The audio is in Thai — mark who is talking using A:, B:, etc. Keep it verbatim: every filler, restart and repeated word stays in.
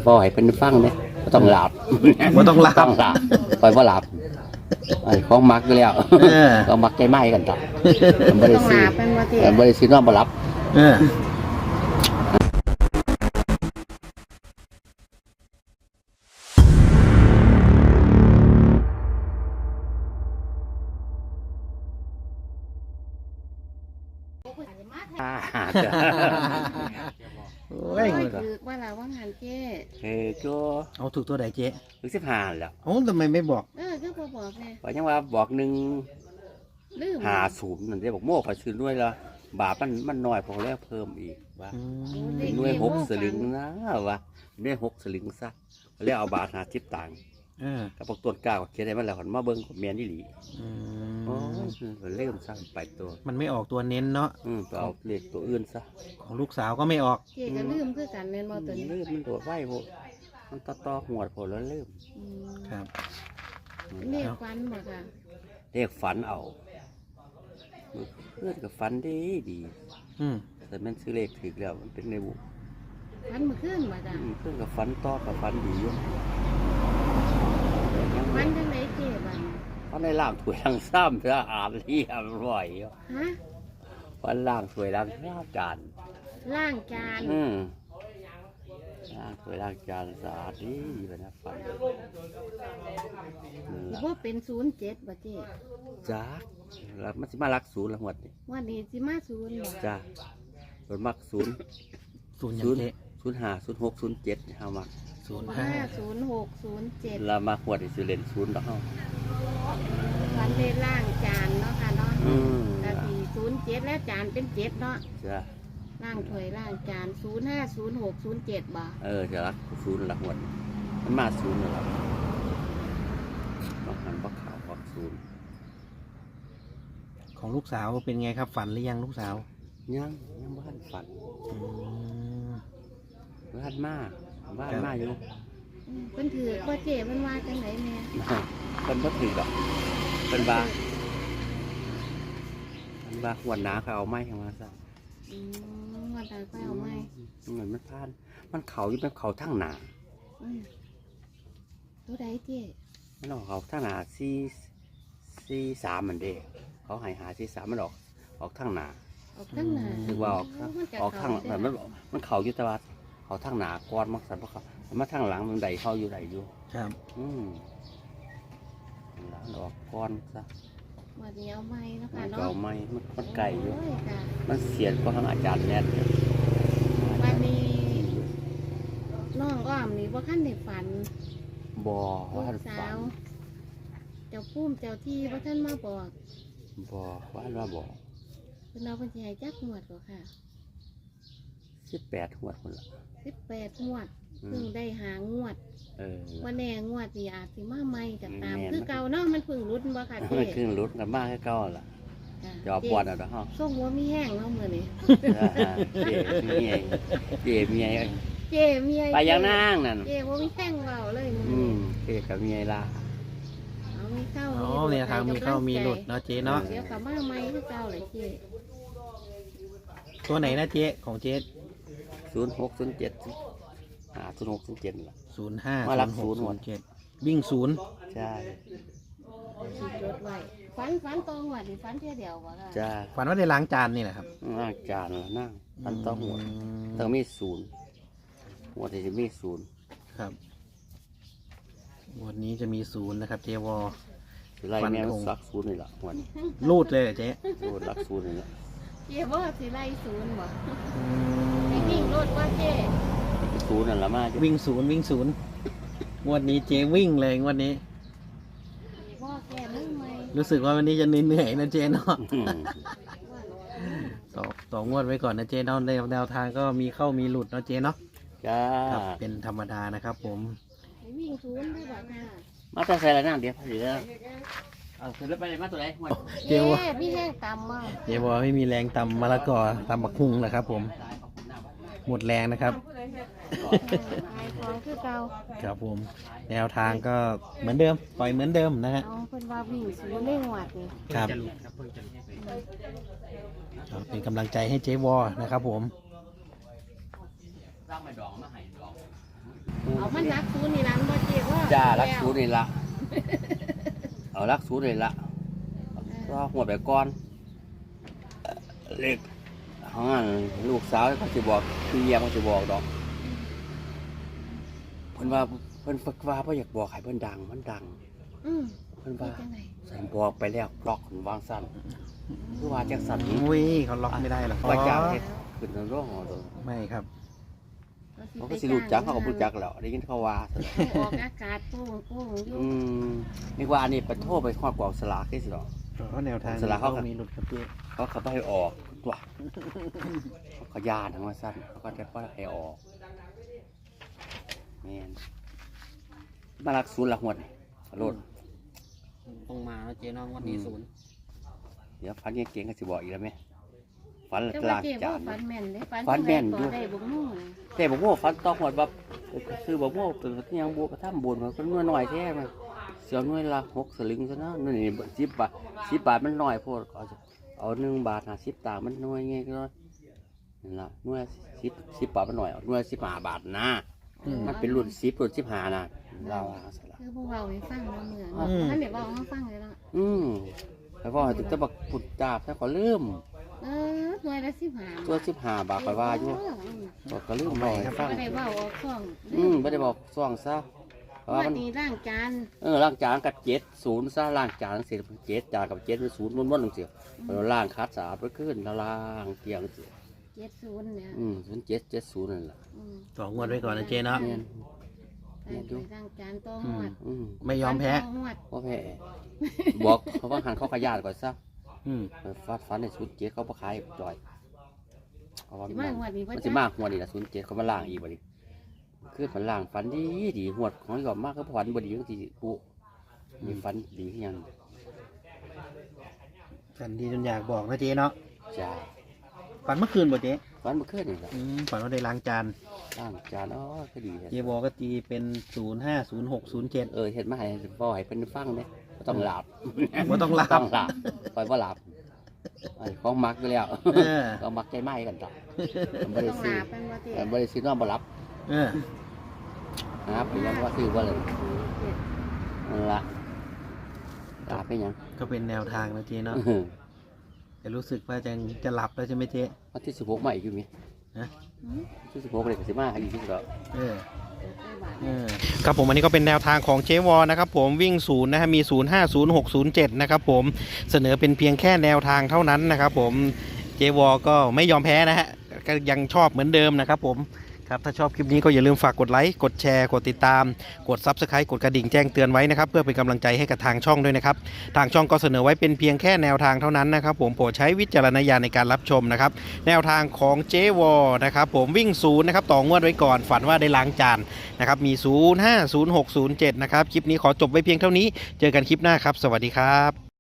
A: บ่ให้เพิ่นฟังเด้บ่ต้องหลับ
B: บ่ต้องหลับ
A: ต้องหลับปล่อยบ่หลับไอ้ของมักอยู่แล้วก็มักใจไม้กันต่อบ่ได้
C: ต้อง
A: ซื้อ
C: ลาเป็นว่าเจ๊
A: บ่ได้ซื้อนอนบ่หลับ
B: เออ
A: อ่า
B: โอ้
C: โอ้
B: ย
C: ยคือว่าเราว่างานเจ๊
A: เฮ้ยก็
B: เอาถูกตัวไหนเจ๊
A: ถึงสิบห้าแล้ว
B: โอ้ทำไมไม่บอก
C: เออคือพอบอกไง
A: ว่ายังว่าบอกหนึ่ง
C: ลืม
A: หาศูนย์นั่นเด้บอกโม่ขอซื้อด้วยละบาทมันมันน้อยพอแล้วเพิ่มอีกว่า
B: อืม
A: เป็นด้วยหกสลึงนะว่าด้วยหกสลึงซะแล้วเอาบาทหาสิบตังค์
B: เออ
A: กับพวกต้นกล้าก็เขียนให้มันแล้วหันมาเบิ่งกับเมียนอีหลี
B: อื
A: โอ้
B: ม
A: ยเริ่มสร้างไปตัว
B: มันไม่ออกตัวเน้นเนาะ
A: อืมไปเอาเลขตัวอื่นซะ
B: ของลูกสาวก็ไม่ออก
C: เจ๊ก็ลืมคือกันแม่นบ่ตัวนี้
A: เริ่มมันโดดไหวโพดมันต่อต่อหัวโพดแล้วเริ่ม
C: อืม
B: ครับ
C: เลขฟันบ่ค่ะ
A: เลขฝันเอาเพื่อนกับฝันดีดี
B: อืม
A: แต่แมันซื้อเลขถึกแล้วมันเป็นในบุ
C: ฟันเมื่อคืนบ่จ้ะ
A: อืมเพื่อนกับฝันต่อกับฝันดีอยู่ยัง
C: ฟันจังไดเจ๊บัด
A: ฝันในล่างถวยล่างซ้ำจะอ่านเรียบร้อยอยู่
C: ฮะ
A: ฝันล่างถวยล่างซ้ำจาน
C: ล้างจาน
A: อืมล่างถวยล่างจานสะอาดดีไปนะฝันนั่น
C: สิ
A: ล่ะ
C: บ่เป็นศูนย์เจ็ดบ่เจ๊
A: จ้าแล้วมันสิมารักศูนย์ละหวดนี่
C: วันนี้สิมาศูนย์บ่
A: จ้าโดนมักศูนย์
B: ศูนย์ยัง
A: ศูนย์
B: เจ๊
A: ศูนย์ห้าศูนย์หกศูนย์เจ็ดเฮามัก
B: ศูนย์
C: ห้า
B: ห้า
C: ศูนย์หกศูนย์เจ็ด
A: เรามาหวดอีสิเล่นศูนย์แล้วเฮา
C: ฟันได้ล้างจานเนาะค่ะเนาะ
A: อืม
C: แต่สี่ศูนย์เจ็ดแล้วจานเป็นเจ็ดเนาะ
A: จ้า
C: ล่างถ้วยล่างจานศูนย์ห้าศูนย์หกศูนย์เจ็ดบ่
A: เออจะรักศูนย์ละหวดมันมาศูนย์แล้วล่ะต้องหันบักขาวบักศูนย์
B: ของลูกสาวเป็นไงครับ ฝันหรือยังลูกสาว
A: ยังยังบ้านฝัน
B: อืม
A: บ้านมาบ้านมาอยู่
C: อืมเพิ่นถือว่าเจ๊เพิ่นว่าจังไหนแม่
A: เป็นบ่ถือดอกเป็นบาเป็นบาหวนหนาเขาเอาไม้เข้ามาซะ
C: อืมว่าตาไปเอาไหม
A: เหมือนมันพานมันเขาอยู่เป็นเขาทั้งหนา
C: อืมตัวใดเจ๊
A: มันออกเขาทั้งหนาสี่สี่สามมันเด้เขาใหายหาสี่สามมันออกออกทั้งหนา
C: ออกตั้งหนา
A: คือว่าออกทั้งออกทั้งแบบมันมันเขาอยู่แต่ว่าเขาทั้งหนาก้อนมักสันเพราะเขามาทั้งหลังมันใดเข้าอยู่ใดอยู่
B: ครับ
A: อืมหลังออกก้อนซะ
C: วันนี้เอาไหมเนาะ
A: มั
C: ค่ะ
A: น
C: เนาะ
A: เก่าไหมมันมันไก่อยู่
C: โอ้ค่ะ
A: มันเสียนก็ทั้งอาจารย์แนทเนี่ย
C: วันนี้น้องอ้อมนี่ว่าขั้นในฝัน
A: บอ
C: ลู
A: ว่าก
C: สา
A: ฝัน
C: ว เจ้าพุ่มเจ้าที่ว่าท่านมาบอก
A: บอว่าว่าบอ
C: เพิ่นเอาเพิ่นสิให้จักงวดก็ค่ะ
A: สิบแปดหัวคนละ
C: สิบแปดงวด
A: อื
C: เพิ่ง
A: ม
C: ได้หางวด
A: เออ
C: ว่าแน่งวดนี่อาจสิมาใหม่กับตาม
A: แม่น
C: คือเก่าเนาะมันเพิ่งรุดบ่ค่ะเจ๊
A: มันขึ้นรถกันมากแค่เก้าล่ะ
C: จ้ะ
A: จอปวดอ่ะเนาะฮะ
C: ส่งหัวมีแห้งเนาะมื้อนี้
A: เจ๊เมียเจ๊เมีย
C: เจ๊เมีย
A: ไปยังนั่งนั่น
C: เจ๊บ่มีแห้งเว้าเลยมื้อ
A: อื
C: นี้
A: มเจ๊กับเมียล่ะ
C: เอามีเข้า
B: อ๋อ
C: มี
B: เนี่ยทางมีเข้ามีหลุดเนาะเจ๊เนาะ
C: เดี๋ยวกลับมาใหม่คือเก่าเลยเจ๊
B: ตัวไหนนะเจ๊ของเจ๊
A: ศูนย์หกศูนย์เจ็ดอ่าศูนย์หกศูนย์เจ็ดล่ะ
B: ศูนย์ห้า
A: มารัก
B: ศูนย์หก
A: ศู
B: ศู
A: นย์
B: นย์เจ็ดวิ่งศูนย์
A: ใช่
C: สิจดไว้ฝันฝันตรงว่าดิฝันเที่ยเดียวบ่ค่ะ
A: จ้า
B: ฝันว่าได้ล้างจานนี่แหละครับ
A: นั่งจานละนั่งตันต้องหัว
B: ม
A: ต้องมีศูนย์หัวที่จะมีศูนย์
B: ครับวันนี้จะมีศูนย์นะครับ เจวอ
A: สิไล่
B: ฟัน
A: แม่
B: ธง
A: สักศูนย์นี่แหละหัวนี้
B: รูดเลยเหรอเจ๊
A: โดนรักศูนย์นี่แหละ
C: เจ๊บ่สิไล่ศูนย์บ่
B: อื
C: ให้
B: ม
C: วิ่งรถว่าเจ๊
A: ศูนย์นั่นละมาจ้ะ
B: วิ่งศูนย์วิ่งศูนย์งวดนี้เจ๊วิ่งเลยงวดนี้
C: บ่แก่มึงไหม
B: รู้สึกว่าวันนี้จะเหนื่อยๆนะเจ๊เนาะ
A: อืม
B: ต่อต่องวดไว้ก่อนนะเจ๊เนาะแนวแนวทางก็มีเข้ามีหลุดเนาะเจ๊เนาะ
A: จ้า
B: ครับเป็นธรรมดานะครับ ผม
C: ให้วิ่งศูนย์ได้บ่ค่ะ
A: มาแต่ใส่ละนั่งเดี๋ยวเดี๋ยวเอาขึ้นรถไปเลยมาตัวไหนหัว
B: เจ๊
C: เจ๊
B: วอ
C: พี่แห้งต่ำมา
B: เจ๊วอไม่มีแรงตำมะละกอตำบักฮุงนะครับ ผมหมดแรงนะครับ
C: ขายของคือเก่า
B: ครับผม แนวทางก็เหมือนเดิมปล่อยเหมือนเดิมนะฮะ
C: เอาเพิ่นว่าวิ่งศูนย์ได้หวดนี่
B: ครับก็เป็นกำลังใจให้เจ๊วอนะครับผม
A: สร้างไม่ดองมาให้ดอง
B: อ
C: มันรักศูนย์นี่ร้านบ่เจ๊ว่า
A: จ้ารักศูนย์นี่ละเอารักศูนย์นี่ละก็หัวไปก่อนเล็กของอันลูกสาวเขาจะบอกพี่เยี่ยมเขาจะบอกดอกเพิ่นว่าเพิ่นฝึกว่าเพิ่นอยากบอกให้เพิ่นดังมันดัง
C: อืม
A: เพิ่นว่า
C: จังได๋
A: ใส่บอกไปแล้วบล็อกวางสั้นคือว่าจังสั่นนี้
B: อุ้ยเขาล็อกไม่ได้หรอก
A: ว่าจ้างเฮ็ดขึ้นในโรงหอตัว
B: ไม่ครับ
A: เขาก็สิรู้จักเขาก็รู้จักแล้วได้ยินเขาว่า
C: ออกอากาศโป่งโป่งอยู่
A: อืมนี่ว่าอันนี้ไปโทษไปครอบกองสลากได้สิหรอ
B: เพราะแนวทาง
A: สลากเขา
B: เขามีหลุดครับพี่
A: เขาเขาไปให้ออกตัวเขาขยานทั้งว่าสั้นเขาก็จะก็ให้ออกแม่นมาลักศูนย์หลักหวดโลด
B: ต้องมาแล้วเจ๊น้องวันนี้ศูนย์
A: เดี๋ยวฟันเก่งๆก็สิบอกอีกแล้วไหมฟัน
C: แต่
A: ลา
C: ว่าก เจ๊
A: จา
C: ว่าน ฝันแม่นเด้ฝัน
A: ฝันแม่นอยู่
C: ได้บ่งูนะ
A: แต่บอกว่าฟันตอกหวดแบบคือบอกว่าเป็นที่ยังบวกกระทำบุญมันก็น้อยหน่อยแท้มันเสียวน้อยละหกสลึงซะนะนี่สิบบาทสิบบาทมันน้อยโพดเอาเอาหนึ่งบาทห้าสิบตังค์มันน้อยไงก็นั่นละน้อยสิบสิบบาทมันน้อยเอาน้อยสิบห้าบาทนะมันเป็นรุ่นสิบรุ่นสิบห้านะเราว่าสละ
C: คือพวกเราให้ฟังเนาะเมื่อท่านได้เว้าให้ฟังเลยเนาะ
A: อืมแล้วก็ให้ถึงจะบักปุดจาบถ้าขอลืม
C: เออหน่วยละสิบห้า
A: ตัวสิบห้าบาทไปว่าอยู่ก็ก็ลืมไปให้ฟัง
C: บ่ได้เว้าออกช่อง
A: อืมไม่ได้บอกซ่องซะเพราะว่า
C: ว่า
A: มัน
C: นี่ร่างจาน
A: เออล่างจานกับเจ็ดศูนย์ซะล่างจานเสร็จเจ็ดจานกับเจ็ดเป็นศูนย์ม้วนๆลงเสียเราล่างคัดสะอาดไปขึ้นแล้วล่างเกียงเสีย
C: เจ็ดศูนย์เนี่ย
A: อืมศูนย์เจ็ดเจ็ดศูนย์นั่นแหละ
C: อืม
B: สองงวดไว้ก่อนนะเจ๊เนาะ
A: เนี่ย
C: ได้ไปร่างจานต้องหวด
A: อืม
B: ไม่ยอมแพ้
C: ต้องหวด
A: พ่อแพ้บอกเขาว่าหันเขาขยาดก่อนซะ
B: อืม
A: ฟัดฟันในศูนย์เจ็ดเขาประขายจ่อยเขาว่า
C: สิ
A: มัน
C: มาหวดนี่บ่
A: มัน
C: จ๊ะ
A: จะมากหัวนี่ละศูนย์เจ็ดเขามาล่างอีกบ่ดิคือมันล่างฟันดีดีหัวของยอมมากก็ฟันบ่ดีทั้งทีปูมีฟันดีที่ยัง
B: ฝันดีจนอยากบอกนะเจ๊เนาะ
A: จ้า
B: ฝันเมื่อคืนบ่เจ๊
A: ฟันเมื่อคืนนี่แหละ
B: อืมฝันว่าได้ล้างจาน
A: ล่างจานอ๋อก็ดีเลย
B: เจ๊บอกก็ตีเป็นศูนย์ห้าศูนย์หกศูนย์เจ็ด
A: เออเห็นมาให้บ่ให้เป็นฟังเนี่ยต้องหลับ
B: ว่าต้องลา
A: ต้
B: บ
A: องหลับปล่อยว่าหลับไอ้ของมักไปแล้ว
B: เออ
A: ก็มักใจไหม้กันต่อ
C: บ่
A: บ่ได้
C: ต้อง
A: ซื้อ
C: ลาเป็นบ่เจ๊
A: เออบ่ได้ซื้อนอนบ่หลับ
B: เออ
A: นะครับไปยังว่าซื้อว่าเลยนั่นละหลับไปยัง
B: ก็เป็นแนวทางนะเจ๊เนาะ
A: อื้อหือ
B: แต่รู้สึกว่าจะจะหลับแล้วใช่ไหมเจ๊
A: วันที่สิบหกมาอีกอยู่มั้ย
C: อืม
A: ที่สิบหกเลยก็สิมาอีกที่สุดแล้ว
B: เออ
C: เออ
B: ครับผมอันนี้ก็เป็นแนวทางของเจวอนะครับผมวิ่งศูนย์นะฮะมีศูนย์ห้าศูนย์หกศูนย์เจ็ดนะครับผมเสนอเป็นเพียงแค่แนวทางเท่านั้นนะครับผมเจวอก็ไม่ยอมแพ้นะฮะก็ยังชอบเหมือนเดิมนะครับผมครับถ้าชอบคลิปนี้ก็อย่าลืมฝากกดไลค์กดแชร์กดติดตามกด ซับสไครบ์ กดกระดิ่งแจ้งเตือนไว้นะครับเพื่อเป็นกำลังใจให้กับทางช่องด้วยนะครับทางช่องก็เสนอไว้เป็นเพียงแค่แนวทางเท่านั้นนะครับผมโปรดใช้วิจารณญาณในการรับชมนะครับแนวทางของเจวอนะครับผมวิ่งศูนย์นะครับต่องวดไว้ก่อนฝันว่าได้ล้างจานนะครับมีศูนย์ ห้า ศูนย์ หก ศูนย์ เจ็ดนะครับคลิปนี้ขอจบไว้เพียงเท่านี้เจอกันคลิปหน้าครับสวัสดีครับ